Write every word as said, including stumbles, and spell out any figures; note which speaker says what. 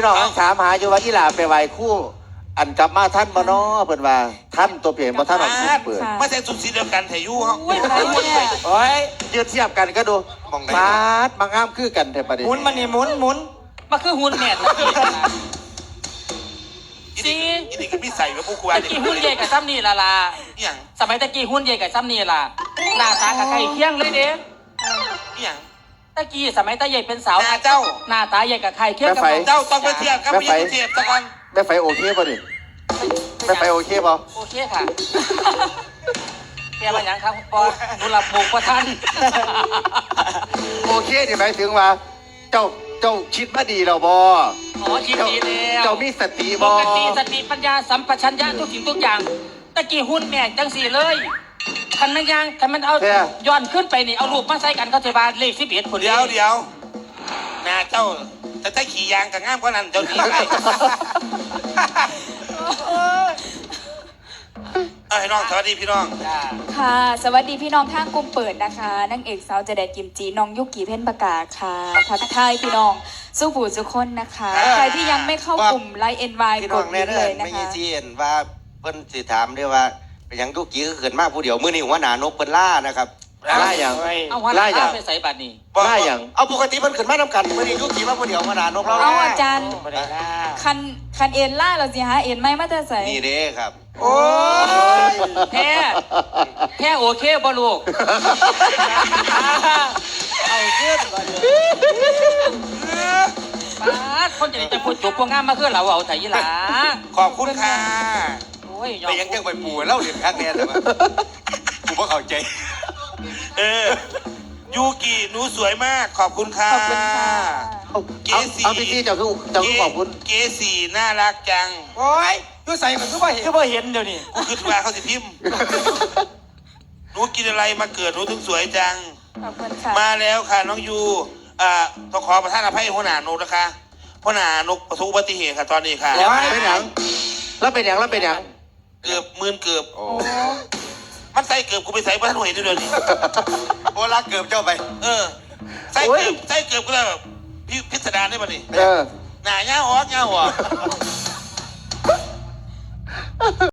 Speaker 1: พี่น้องถามหาอยู่ว่าอีหลาไปไหว้คู่อันกลับมาท่านบ่น้อเพิ่นว่าท่านตัวเปลี่ยนบ่ท่านออกคู่เปิด
Speaker 2: ไม่ใช่สุดสีเดียวกันแถวยูเขา
Speaker 3: อุ้ยอะไรเนี่ย
Speaker 1: โอ้ยยืดเทียบกันก็ดูฟาดมางามคือกันแท้ประเดี๋ยว
Speaker 3: หมุนมันนี่หมุนหมุนมาคือหุ่นแม่
Speaker 2: สิอีนี่ก็มีใส่กับพวกกู
Speaker 3: ตะกี้หุ่นใหญ่กับซ้ำนี่ละล่ะ
Speaker 2: อย่าง
Speaker 3: สมัยตะกี้หุ่นใหญ่กับซ้ำนี่ล่ะหน้าตากับไก่เคียงเลยเด้
Speaker 2: อย่าง
Speaker 3: ตะกี้สมัยตาใหญ่เป็นสาว
Speaker 2: หน้าเจ้า
Speaker 3: หน้าตาใหญ่กับไข่เคียงกับ
Speaker 2: เจ้าต้องไปเทียบกับพี่เทียบสักวัน
Speaker 1: แม่ไฟโอเคป่ะดิแม่ไฟโอเคป่ะ
Speaker 3: โอเคค่ะเปียมาอย่างครับปอดูหลับบุกประทัน
Speaker 1: โอเคที่หมายถึงว่าเจ้าเจ้าคิดมาดีแล้วบ่
Speaker 3: อ๋อคิดดีแล้ว
Speaker 1: เจ้ามีสติ
Speaker 3: ป
Speaker 1: บ่
Speaker 3: กติสติปัญญาสัมปชัญญะทุกสิ่งทุกอย่างตะกี้หุ่นแม่จังสี่เลยคันมันยังคันมันเอาย้อนขึ้นไปนี่เอารูปมาใส่กันเขาจะบาเลขสิบเอ็ดคน
Speaker 2: เดี๋ยวเดี๋ยวหน้าเจ้าจะได้ขี่ยางกับง่ามกว่านั้นเจ้าดีไปเอ้ยน้องสวัสดีพี่น้อง
Speaker 4: ค่ะสวัสดีพี่น้องข้างกลุ่มเปิดนะคะนางเอกสาวเจแดดกิมจีน้องยุกิเพ่นประกาศค่ะทักทายพี่น้องสู้ผู้สุคนนะคะใครที่ยังไม่เข้ากลุ่มไลน์เอ็นวายกดเลยนะคะ
Speaker 5: ไม่ยี่ซีเอ็นว่าเพิ่นสิถามด้วยว่าเป็นยังทุกกี้ก็เกิดมากผู้เดียวมื้อนี้หัวหน้านกเพิ่นล่านะครับ
Speaker 1: ล่าอย่าง
Speaker 3: เอาหัวหน้าไปใส่บัตรนี่
Speaker 1: ล่าอย่าง
Speaker 5: เอาปกติเพิ่นขึ้นมาทำกันมื้อนี้ทุกกี้มาผู้เดียวหัวหน้านกเรา
Speaker 4: เอาอาจารย์คันคันเอ็นล่าเราสิฮะเอ็นไม่มาจะใส่
Speaker 5: นี่เด้ครับ
Speaker 1: โอ้ย
Speaker 3: แพ้แพ้โอเคบ่ลูกเอาขึ้นก่อนเลยป้าคนจะจะพูดจบพวกงามมาขึ้นเราเอาไถ่ยี่หลา
Speaker 2: ขอบคุณค่ะ
Speaker 3: โอ้ย
Speaker 5: แต่ยังยังไปปู่เล่าเรียนคักแน่แต่ว่ากูบ่เข้าใจ
Speaker 2: เออยูกิหนูสวยมากขอบคุณค่ะ
Speaker 4: ขอบคุณค่ะ
Speaker 1: เอาเอาพี่ที่เจ้าคือเจ้าคือขอบคุณ
Speaker 2: เกสีน่ารักจัง
Speaker 3: โอ้ยยูใส่มันก็บ่เห็นก็บ่เห็นเดี๋ยวนี้
Speaker 2: กูคิดว่าเขาสิพิมพ์หนูกินอะไรมาเกิดหนูถึงสวยจัง
Speaker 4: ขอบคุณค่ะ
Speaker 2: มาแล้วค่ะน้องยูอ่าต้องขอประทานอภัยหัวหน้านกนะคะหัวหน้านกประสบอุบัติเหตุค่ะตอนนี้ค่ะ
Speaker 1: แล้วเป็นหยังแล้วเป็นหยังแล้วเป็นหยัง
Speaker 2: เกือบหมื่นเกือบ
Speaker 1: โอ้
Speaker 2: มันใส่เกือบกูไปใส่บ้านหน่วยเดียวนี้
Speaker 5: โอ้รักเกือบเจ้าไป
Speaker 2: เออใส่เกือบใส่เกือบก็เลยแบบพี่พิสดารได้ป่ะนี่
Speaker 1: เออ
Speaker 2: หน้าเงาออกเงาออก